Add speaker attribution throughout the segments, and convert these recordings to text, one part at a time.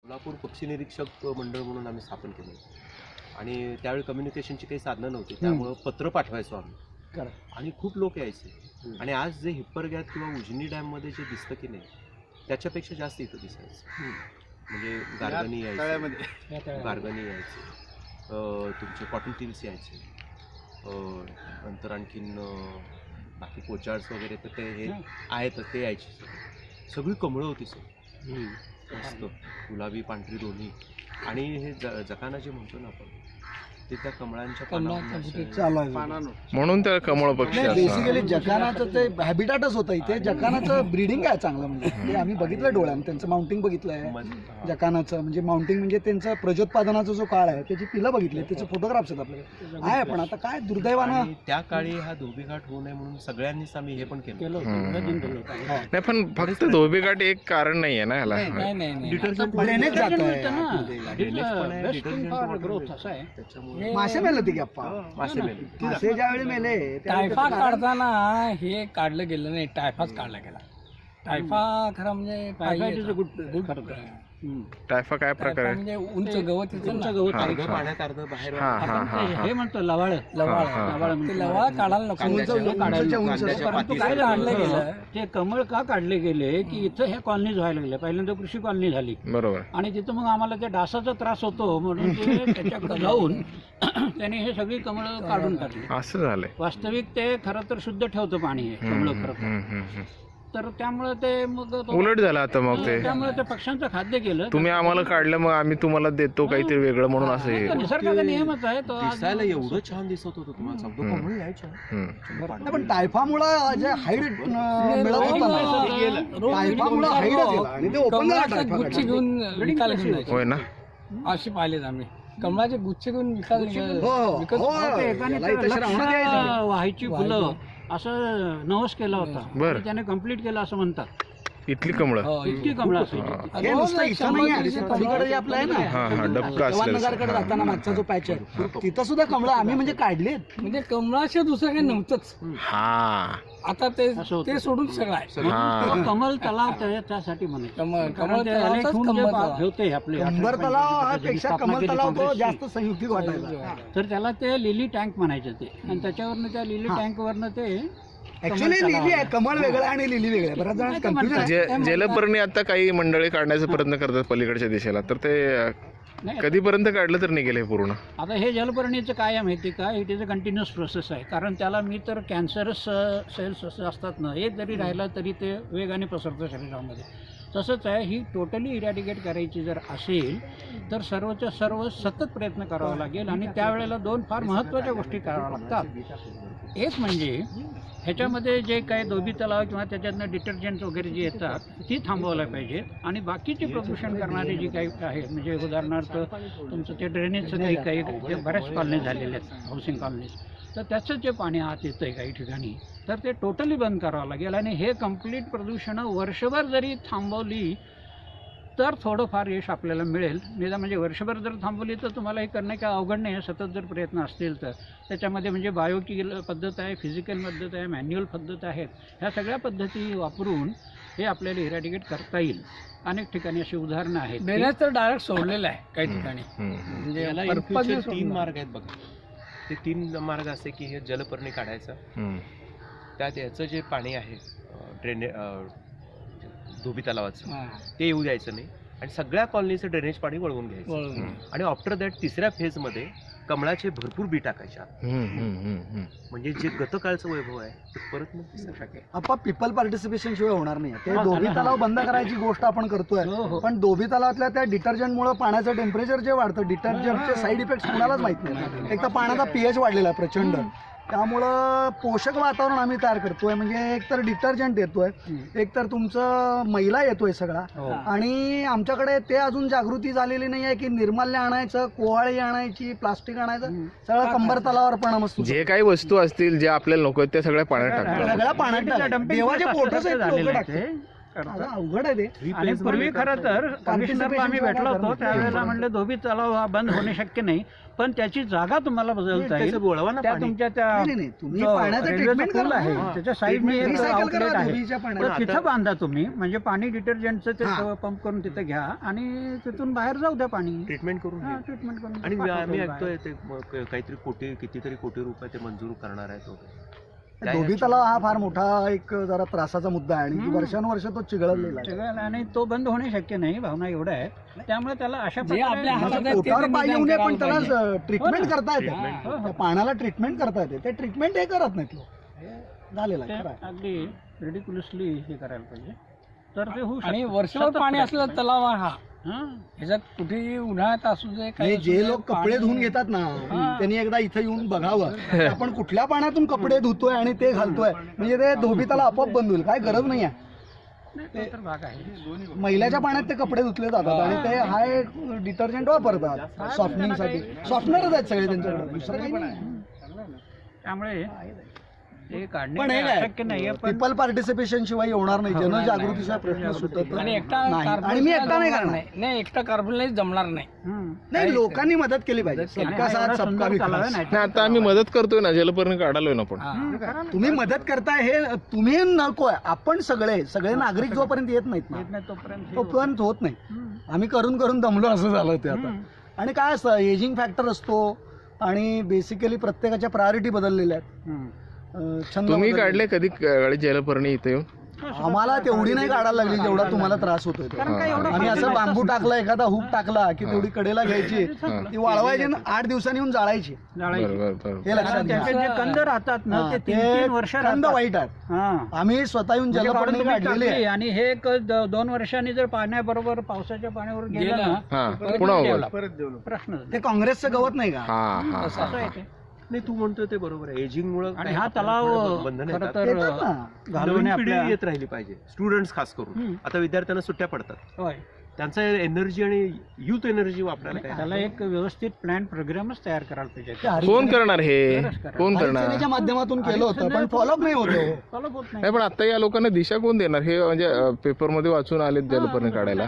Speaker 1: सोलापूर पक्षी निरीक्षक मंडळ म्हणून आम्ही स्थापन केलं आणि त्यावेळी कम्युनिकेशनची काही साधनं नव्हती, त्यामुळं पत्र पाठवायचो आम्ही आणि खूप लोक यायचे. आणि आज जे हिप्परगॅत किंवा उजनी डॅममध्ये जे दिसतं की नाही त्याच्यापेक्षा जास्त इथं दिसायचं. म्हणजे गार्गनी यायचे, तुमचे कॉटन टिल्स यायचे, नंतर आणखीन बाकी पोचार्ड्स वगैरे तर ते हे आहेत ते यायचे. सगळी कमळं होती सर, मस्त गुलाबी पांढरी दोन्ही. आणि हे जकाना जे म्हणतो ना आपण ते त्या कमळांच्या
Speaker 2: म्हणून त्याला कमळ पक्षी.
Speaker 3: बेसिकली जकानाचं ते हॅबिटाटच होतं इथे. जकानाचं ब्रीडिंग काय चांगलं म्हणजे ते आम्ही बघितलं डोळ्यानं, त्यांचं माउंटिंग बघितलं आहे जकानाचं. म्हणजे माउंटिंग म्हणजे त्यांचा प्रजोत्पादनाचा जो काळ आहे त्याची पिलं बघितली, त्याचे फोटोग्राफ्स आहेत आपल्याकडे आहे. पण आता काय दुर्दैवानं
Speaker 1: त्या काळी हा धोबीघाट होऊ नये म्हणून सगळ्यांनीच आम्ही हे पण केलं.
Speaker 2: नाही पण फक्त धोबीघाट एक कारण नाही आहे ना याला.
Speaker 3: ड्रेनेज जात आहे. मासे मेले होते की अप्पा, मासे ज्यावेळी मेले
Speaker 4: टायफा काढताना हे काढलं गेलं नाही, टायफाच काढला गेला. टायफा खरं म्हणजे
Speaker 2: टायफा काय प्रकार आहे?
Speaker 4: म्हणजे उंच गवत
Speaker 1: अर्ध पाण्यात अर्ध बाहेर.
Speaker 4: हे म्हणतो लवाळ लवाळ काढायला नको. काय काढलं गेलं ते कमळ का काढले गेले की इथं हे कॉलनीज व्हायला लागले. पहिल्यांदा कृषी कॉलनी झाली
Speaker 2: बरोबर,
Speaker 4: आणि तिथं मग आम्हाला त्या डासाचा त्रास होतो म्हणून ते त्याच्याकडे जाऊन त्याने हे सगळी कमळं काढून टाकली.
Speaker 2: असं झालंय.
Speaker 4: वास्तविक ते खरं तर शुद्ध ठेवतं पाणी हे कमळं खरं तर त्यामुळे ते मग
Speaker 2: उलट झालं आता. मग ते
Speaker 4: त्यामुळे ते पक्ष्यांचं खाद्य केलं.
Speaker 2: तुम्ही आम्हाला काढलं मग आम्ही तुम्हाला देतो काहीतरी वेगळं म्हणून असं हे.
Speaker 4: निसर्गाचा नियमच आहे तो.
Speaker 1: दिसायला एवढं छान दिसत होतं तुम्हाला सांगतो, कमळ यायच्या.
Speaker 3: पण टायफामुळे जे हाईड मिळत होतं ना, टायफामुळे हाईडच गेला आणि ते ओपन
Speaker 4: गुच्छ घेऊन विकायला घेऊन जायचे.
Speaker 2: होय ना,
Speaker 4: असे पाहिलेत आम्ही. कमळाचे गुच्छ घेऊन विकायला व्हायची फुलं असं नवस केला होता.
Speaker 2: बरं.
Speaker 4: त्याने कम्प्लीट केलं असं म्हणतात.
Speaker 2: इथली कमळं
Speaker 4: इतकी कमळं असायची.
Speaker 3: हे नुसतं इथं नाही आहे, पलीकडे जे आपलं आहे ना
Speaker 2: डबका
Speaker 3: जवाननगरकडे जाताना मागचा जो पॅच आहे तिथं सुद्धा कमळं आम्ही म्हणजे काढलीत.
Speaker 4: म्हणजे कमळाशिवाय दुसरं काही नव्हतंच.
Speaker 2: हा
Speaker 4: आता ते सोडून सगळं आहे. कमल तलाव त्यासाठी म्हणायचं. कमल ठेवते आपले
Speaker 3: कंबर तलाव हा पेक्षा कमल तलाव तो जास्त संयुक्तिक वाटायला.
Speaker 4: तर त्याला ते लिली टँक म्हणायचं ते. आणि त्याच्यावरनं त्या लिली टँक वरनं ते
Speaker 3: ऍक्च्युअली लिली आहे, कमळ वेगळं आणि लिली वेगळं. बऱ्याच जण कन्फ्युजन आहे.
Speaker 2: जलपर्णी आता काही मंडळी काढण्याचा प्रयत्न करतात पलीकडच्या दिशेला, तर ते कधीपर्यंत काढलं तर निघेल हे पूर्ण?
Speaker 4: आता हे जलपर्णीचं काय आहे माहिती का, it is a continuous process आहे. कारण त्याला मी तर कॅन्सरस सेल्स असतात ना, हे जरी राहिला तरी ते वेगाने पसरतं शरीरामध्ये. तसंच आहे, ही टोटली इरॅडिकेट करायची जर असेल तर सर्वच्या सर्व सतत प्रयत्न करावा लागेल. आणि त्यावेळेला दोन फार महत्त्वाच्या गोष्टी कराव्या लागतात. एक म्हणजे ह्याच्यामध्ये जे काही धोबी तलाव किंवा त्याच्यातनं डिटर्जंट वगैरे जे येतात ती थांबवायला पाहिजेत. आणि बाकीचे प्रदूषण करणारे जे काही आहे, म्हणजे उदाहरणार्थ तुमचं ते ड्रेनेजचं काही बऱ्याच कॉलनी झालेले आहेत, हाऊसिंग कॉलनीज, तर त्याचं जे पाणी आत येतं आहे काही ठिकाणी, तर ते टोटली बंद करावं लागेल. आणि हे कंप्लीट प्रदूषणं वर्षभर जरी थांबवली तर थोडंफार यश आपल्याला मिळेल. निदान म्हणजे वर्षभर जर थांबवली तर तुम्हाला हे करणं काय अवघड नाही. सतत जर प्रयत्न असतील तर त्याच्यामध्ये म्हणजे बायोकिल पद्धत आहे, फिजिकल पद्धत आहे, मॅन्युअल पद्धत आहेत. ह्या सगळ्या पद्धती वापरून हे आपल्याला इरॅडिकेट करता येईल. अनेक ठिकाणी अशी उदाहरणं आहेत. ड्रेनेज तर डायरेक्ट सोडलेलं आहे काही ठिकाणी. म्हणजे
Speaker 1: याला तीन मार्ग आहेत बघा. ते तीन मार्ग असे की हे जलपर्णी काढायचं, त्यात याचं जे पाणी आहे धोबी तलावाचं ते येऊ द्यायचं नाही, आणि सगळ्या कॉलनीचं ड्रेनेज पाणी वळवून घ्यायचं. आणि आफ्टर दॅट तिसऱ्या फेजमध्ये कमळाचे भरपूर बी टाकायच्या, म्हणजे जे गतकाळचं वैभव आहे ते परत मग दिसू शकेल.
Speaker 3: आपण पीपल पार्टिसिपेशन शिवाय होणार नाही. ते धोबी तलाव बंद करायची गोष्ट आपण करतोय, पण धोबी तलावातल्या त्या डिटर्जंटमुळे पाण्याचं टेम्परेचर जे वाढतं, डिटर्जंटचे साईड इफेक्ट कुणालाच माहित नाही. एक तर पाण्याचा pH वाढलेला आहे प्रचंड, त्यामुळं पोषक वातावरण आम्ही तयार करतोय. म्हणजे एक तर डिटर्जंट येतोय, एक तर तुमचं मैला येतोय सगळा. आणि आमच्याकडे ते अजून जागृती झालेली नाही आहे की निर्माल्य आणायचं, कोहाळी आणायची, प्लास्टिक आणायचं, सगळं कंबर तलावावर परिणाम असतो.
Speaker 2: जे काही वस्तू असतील जे आपल्याला नको आहेत त्या सगळ्या पाण्यात टाकतात,
Speaker 3: सगळ्या पाण्यात देवाचे फोटोच आहेत लोक टाकतात.
Speaker 4: करतात.
Speaker 3: अवघड आहे ते.
Speaker 4: आणि पूर्वी खरं तर कमिशनरला आम्ही भेटलो होतो त्यावेळेला म्हणले धोबी तलाव हा बंद होणे शक्य नाही, पण त्याची जागा तुम्हाला बदलता येईल. त्या तुमच्या त्या
Speaker 3: नाही, तुम्ही
Speaker 4: जो
Speaker 3: पाण्याचं
Speaker 4: रेल्वेचा
Speaker 3: ट्रीटमेंट
Speaker 4: पूल
Speaker 3: करा.
Speaker 4: आहे त्याच्या साईडने एक
Speaker 3: रिसायकल
Speaker 4: आउटलेट
Speaker 3: करा
Speaker 4: आहे,
Speaker 3: धुळीच्या
Speaker 4: तर
Speaker 3: पाण्यात.
Speaker 4: तिथं बांधा तुम्ही, म्हणजे पाणी डिटर्जंटचं ते पंप करून तिथं घ्या आणि तिथून बाहेर जाऊ द्या पाणी.
Speaker 1: ट्रीटमेंट करून
Speaker 4: हा,
Speaker 1: घे.
Speaker 4: ट्रीटमेंट करून
Speaker 1: आणि
Speaker 4: पाठवतो
Speaker 1: आम्ही
Speaker 4: बाहेर.
Speaker 1: ऐकतोय ते काहीतरी कितीतरी रुपये ते मंजूर करणार आहेत वगैरे.
Speaker 3: धोबी तलाव हा फार मोठा एक जरा त्रासाचा मुद्दा आहे आणि वर्षानुवर्ष तो चिघळलेला आहे.
Speaker 4: सगळं आणि तो बंद होणे शक्य नाही, भावना एवढं आहे. त्यामुळे त्याला अशा
Speaker 3: म्हणजे पोटावर पाय येऊ नये पण त्याला ट्रीटमेंट करता येते. त्या पाण्याला ट्रीटमेंट करता येते. ते ट्रीटमेंट हे करत नाहीत लोक. झालेलं आहे, खरं आहे.
Speaker 4: अगदी रिडिक्युलसली हे करायला पाहिजे, तर ते होऊ
Speaker 5: आणि
Speaker 4: शकतं.
Speaker 5: वर्षभर
Speaker 4: सतत
Speaker 5: पाणी
Speaker 4: प्रयत्न.
Speaker 5: असलेला तलाव हा
Speaker 4: हां.
Speaker 5: ह्याच्यात कुठेही उन्हाळ्यात असू दे
Speaker 3: हे
Speaker 5: काही
Speaker 3: जे लोक कपडे धुवून घेतात ना त्यांनी एकदा इथं येऊन बघावं की आपण कुठल्या पाण्यातून कपडे धुतोय आणि ते घालतोय. म्हणजे ते धोबी तलाव आपोआप बंद होईल. काय गरज नाही आहे.
Speaker 4: नाही, तो तर भाग आहे.
Speaker 3: मैल्याच्या पाण्यात ते कपडे धुतले जातात आणि ते हाय डिटर्जंट वापरतात सॉफ्टनिंगसाठी. सॉफ्टनरच आहेत सगळे त्यांच्याकडे, दुसरं काही नाही.
Speaker 4: त्यामुळे ते काढणे
Speaker 3: पण हे काय
Speaker 4: शक्य नाहीये. पण
Speaker 3: पीपल पार्टिसिपेशन शिवाय होणार नाही. जनजागृतीचा प्रश्न सुटत
Speaker 5: आणि एकटा
Speaker 3: नाही.
Speaker 5: कार्बन
Speaker 3: आणि मी एकटा नाही
Speaker 5: जमणार
Speaker 3: करणार.
Speaker 5: नाही एकटा कार्बनला जमणार नाही.
Speaker 3: नाही, लोकांनी मदत केली पाहिजे.
Speaker 4: आणि
Speaker 3: सबका
Speaker 4: हा
Speaker 3: साथ
Speaker 4: एवढा
Speaker 3: सबका
Speaker 4: सुंदर तलाव आहे,
Speaker 3: विकास.
Speaker 4: नाही
Speaker 2: नाही आता आम्ही मदत करतोय ना, जलपर्णी काढालोय ना आपण.
Speaker 3: तुम्ही मदत करताय हे तुम्ही नकोय. आपण सगळे नागरिक जोपर्यंत येत नाहीत ना
Speaker 4: येत नाही तोपर्यंत
Speaker 3: तोपर्यंत होत नाही. आम्ही करून दमलो असं झालं ते आता. आणि काय असतं एजिंग फॅक्टर असतो आणि बेसिकली प्रत्येकाच्या प्रायोरिटी बदललेल्या आहेत. छंद
Speaker 2: तुम्ही
Speaker 3: बदललेले.
Speaker 2: काढले कधी जलपर्णी इथे येऊन?
Speaker 3: आम्हाला तेवढी नाही काढायला लागली जेवढा तुम्हाला त्रास होतोय तो. आम्ही असं बांबू टाकला, एखादा हुक टाकला की तेवढी कडेला घ्यायची, ती वाळवायची आणि 8 दिवसांनी येऊन जाळायची.
Speaker 2: बरोबर.
Speaker 3: हे लक्षात घ्या.
Speaker 4: त्याचे जे कंद राहतात ना ते
Speaker 3: ते
Speaker 4: 3-3 वर्ष
Speaker 3: कंद
Speaker 4: राहतात.
Speaker 3: वाईट आहेत.
Speaker 4: हां.
Speaker 3: आम्ही स्वतः येऊन
Speaker 4: म्हणजे कारण
Speaker 3: जलपर्णी
Speaker 4: तुम्ही
Speaker 3: काढलेली
Speaker 4: टाकली
Speaker 3: आहे.
Speaker 4: आणि हे एक 2 वर्षांनी जर पाण्याबरोबर पावसाच्या पाण्यावर गेलं ना
Speaker 2: हा पुन्हा होईल.
Speaker 4: प्रश्न
Speaker 3: ते काँग्रेसचं गवत नाही का?
Speaker 2: हा
Speaker 4: असं आहे ते.
Speaker 1: नाही, तू म्हणतोय ते बरोबर आहे. एजिंग मुळे
Speaker 4: आणि हा तलाव
Speaker 1: बंधन
Speaker 4: खरं
Speaker 1: येतात.
Speaker 4: तर
Speaker 3: येतात ना.
Speaker 4: घालवणे
Speaker 1: नवीन पिढी
Speaker 4: आपल्या
Speaker 1: येत राहिली पाहिजे. स्टुडंट्स खास करून आता विद्यार्थ्यांना सुट्ट्या पडतात.
Speaker 4: होय.
Speaker 1: त्यांचा एनर्जी आणि युथ एनर्जी वापरायला काय
Speaker 4: त्याला एक व्यवस्थित प्लॅन प्रोग्रामच तयार करायला
Speaker 3: ते
Speaker 4: पाहिजे.
Speaker 2: कोण करणार हे? कोण करणार?
Speaker 3: हरिसेनेच्या माध्यमातून केलं होतं पण फॉलोअप नाही होतो.
Speaker 4: फॉलोअप होत नाही.
Speaker 2: नाही पण आता या लोकांना दिशा कोण देणार हे? म्हणजे पेपरमध्ये वाचून आलेत जलपर्णी काढायला.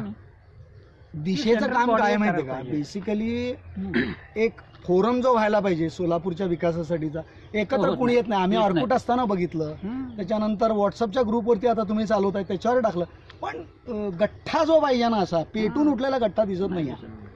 Speaker 3: दिशेचं काम काय माहितीये का? बेसिकली एक फोरम जो व्हायला पाहिजे सोलापूरच्या विकासासाठीचा, एकत्र कोणी येत नाही. आम्ही ऑर्कुट असताना बघितलं, त्याच्यानंतर व्हॉट्सअपच्या ग्रुपवरती आता तुम्ही चालवताय त्याच्यावर टाकलं, पण गठ्ठा जो पाहिजे ना असा पेटून उठलेला गठ्ठा दिसत नाहीये.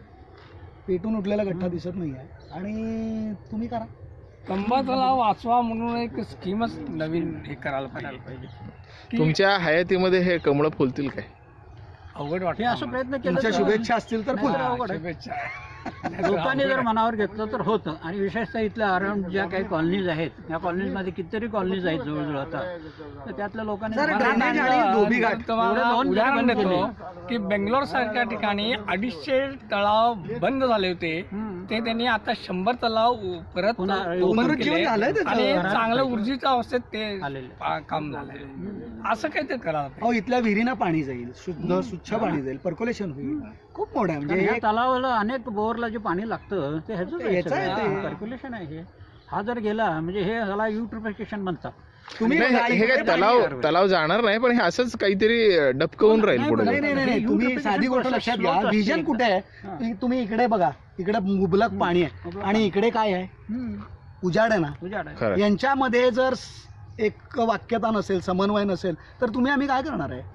Speaker 3: पेटून उठलेला गठ्ठा दिसत नाहीये. आणि तुम्ही करा.
Speaker 5: कंबा तलाव वाचवा म्हणून एक स्कीमच नवीन हे करायला पाहिजे.
Speaker 2: तुमच्या हयातीमध्ये हे कमळ फुलतील काय?
Speaker 5: अवघड
Speaker 4: हे
Speaker 5: वाटतं
Speaker 4: असं प्रयत्न केला
Speaker 3: तुमच्या शुभेच्छा असतील तर फुल.
Speaker 5: शुभेच्छा.
Speaker 4: लोकांनी जर मनावर घेतलं तर होतं. आणि विशेषतः इथल्या अराउंड ज्या काही कॉलनीज आहेत, या कॉलनीजमध्ये कितीतरी कॉलनीज आहेत जवळजवळ आता, तर त्यातल्या लोकांनी
Speaker 3: सर,
Speaker 4: मनावर
Speaker 3: ड्रेनेज
Speaker 4: आणलं.
Speaker 3: आणि धोबी घाट
Speaker 5: तुम्हाला
Speaker 4: एवढे दोन
Speaker 5: उदाहरण
Speaker 4: बंद
Speaker 5: देतो
Speaker 4: केले.
Speaker 5: की बेंगलोर सारख्या ठिकाणी 250 तलाव बंद झाले होते, ते त्यांनी आता 100 तलाव परत
Speaker 4: पुन्हा
Speaker 5: open
Speaker 3: पुनरुज्जीवन
Speaker 5: केले.
Speaker 3: झालंय त्याचं.
Speaker 5: आणि चांगलं ऊर्जेच्या अवस्थेत ते
Speaker 4: आलेलं.
Speaker 5: काम झालंय. असं काही ते करायला पाहिजे.
Speaker 3: अहो इथल्या विहिरीना पाणी जाईल, शुद्ध स्वच्छ पाणी जाईल, पर्क्युलेशन होईल. खूप मोठं आहे.
Speaker 4: कारण
Speaker 3: म्हणजे
Speaker 4: ह्या
Speaker 3: एक
Speaker 4: तलावाला अनेक बोअरला जे पाणी लागतं ते ह्याच
Speaker 3: याचं आहे ते.
Speaker 4: सर्क्युलेशन आहे हे. हा जर गेला म्हणजे हे ह्याला युट्रिफिकेशन म्हणतात.
Speaker 3: तुम्ही
Speaker 2: नाही,
Speaker 3: बघा,
Speaker 2: हे
Speaker 3: इकडे
Speaker 2: काय तलाव जाणार नाही, पण हे असंच काहीतरी डबकवून राहील
Speaker 4: नाही,
Speaker 2: पुढे.
Speaker 3: नाही नाही नाही नाही. तुम्ही साधी गोष्ट लक्षात घ्या. व्हिजन कुठे आहे? तुम्ही इकडे बघा, इकडे मुबलक पाणी आहे आणि इकडे काय आहे? उजाड आहे ना.
Speaker 4: उजाड आहे.
Speaker 2: खरं.
Speaker 3: यांच्यामध्ये जर एक वाक्यता नसेल, समन्वय नसेल तर तुम्ही आम्ही काय करणार आहे?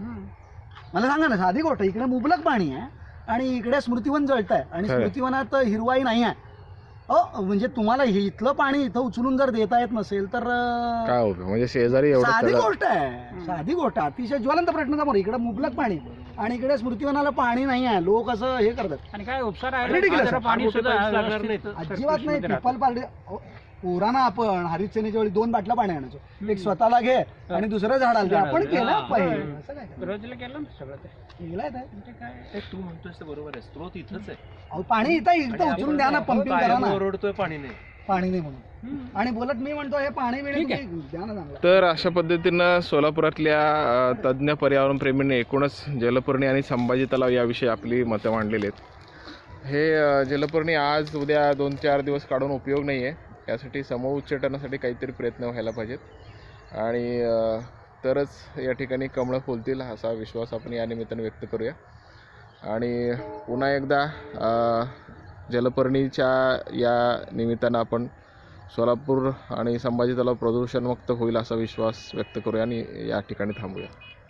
Speaker 3: मला सांगा ना, साधी गोष्ट. इकडे मुबलक पाणी आहे आणि इकडे स्मृतिवन जळत आहे आणि
Speaker 2: खरं.
Speaker 3: स्मृतिवनात हिरवाई नाही आहे. म्हणजे तुम्हाला इथलं पाणी इथं उचलून जर देता येत नसेल तर
Speaker 2: काय होतं? म्हणजे शेजारी एवढं
Speaker 3: साधी
Speaker 2: तलाव-
Speaker 3: गोष्ट आहे. साधी गोष्ट, अतिशय ज्वलंत प्रश्न समोर. इकडे मुबलक पाणी आणि इकडे स्मृतिवनाला पाणी नाही आहे. लोक असं हे करतात.
Speaker 4: आणि काय उपसार
Speaker 3: Ridiculous.
Speaker 4: आहे पाणी
Speaker 1: मोठे
Speaker 4: सुद्धा
Speaker 1: पाईप्स लागणार
Speaker 4: व्यवस्थित
Speaker 1: नाहीत.
Speaker 3: अजिबात नाही.
Speaker 4: circulation मध्ये
Speaker 3: पिपल पार्टी पोरांना आपण हरितसेनेच्या वेळी 2 बाटल्या पाणी आणायचो. एक स्वतःला घे आणि दुसरं झाडाला दे. आपण केलं पाहिजे. असं काय
Speaker 4: राहतं. रोजला केलं ना सगळं ते.
Speaker 3: केलंय ते.
Speaker 4: म्हणजे काय
Speaker 1: ते तू म्हणतोयस ते बरोबर आहे. स्त्रोत इथंच आहे.
Speaker 3: अहो, पाणी इथं उचलून द्या ना, पंपिंग करा ना.
Speaker 1: ओरडतोय पाणी नाही.
Speaker 3: पाणी नाही म्हणून. आणि बोलत मी म्हणतो हे पाणी मिळेल द्या ना चांगलं.
Speaker 2: तर अशा पद्धतीनं सोलापुरातल्या तज्ज्ञ पर्यावरणप्रेमींनी एकूणच जलपर्णी आणि संभाजी तलाव याविषयी आपली मतं मांडलेली आहेत. हे जलपर्णी आज उद्या 2-4 दिवस काढून उपयोग नाही आहे. यासाठी समूह उच्चाटनासाठी काहीतरी प्रयत्न व्हायला पाहिजेत. आणि तरच या ठिकाणी कमळं फुलतील असा विश्वास आपण या निमित्ताने व्यक्त करूया. आणि पुन्हा एकदा जलपर्णीच्या या निमित्तानं आपण सोलापूर आणि संभाजी तलाव प्रदूषणमुक्त होईल असा विश्वास व्यक्त करूया आणि या ठिकाणी थांबूया.